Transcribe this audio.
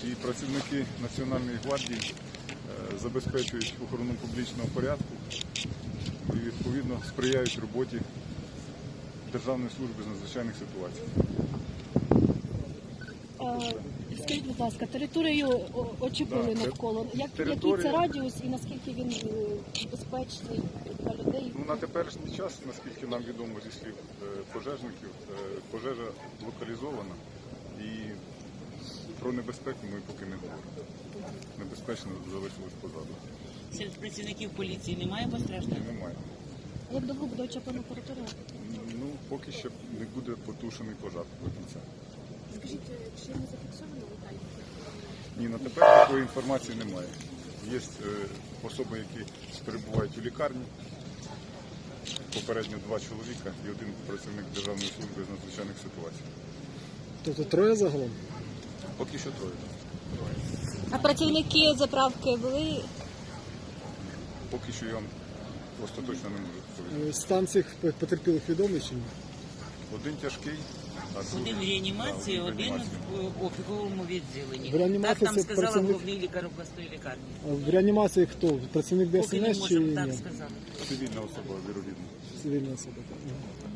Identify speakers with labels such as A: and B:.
A: і працівники Національної гвардії забезпечують охорону публічного порядку і відповідно сприяють роботі Державної служби з надзвичайних ситуацій.
B: Скажіть, будь ласка, територію очікували навколо. Який це радіус і наскільки він безпечний для людей?
A: На теперішній час, наскільки нам відомо зі слів пожежників, пожежа локалізована і про небезпеку ми поки не говоримо. Небезпечно залишилось позаду.
C: Серед працівників поліції немає постраждалих?
A: Немає.
B: Як довго буде очікувана територія?
A: Поки ще не буде потушений пожар до кінця.
B: Скажіть, чи не зафіксовано летальні?
A: Ні, на тепер такої інформації немає. Є особи, які перебувають у лікарні, попередньо 2 чоловіка і 1 працівник Державної служби з надзвичайних ситуацій.
D: Тобто 3 загалом?
A: Поки що 3.
B: А працівники заправки були?
A: Поки що я вам остаточно не можу відповісти.
D: Стан цих потерпілих відомий чи ні?
A: 1 тяжкий, а
C: Один в
A: другий
C: реанімації,
A: в
C: один
A: реанімації.
C: в опіковому відділенні.
D: В реанімації
C: Так нам
D: це
C: сказала
D: працівник-
C: головний лікар обласної лікарні.
D: А в реанімації хто? Працівник
C: Поки не
D: ДСНС чи
C: можемо, так
D: ні?
C: сказали.
A: Цивільна особа, вірогідно.
D: Цивільна особа. Так.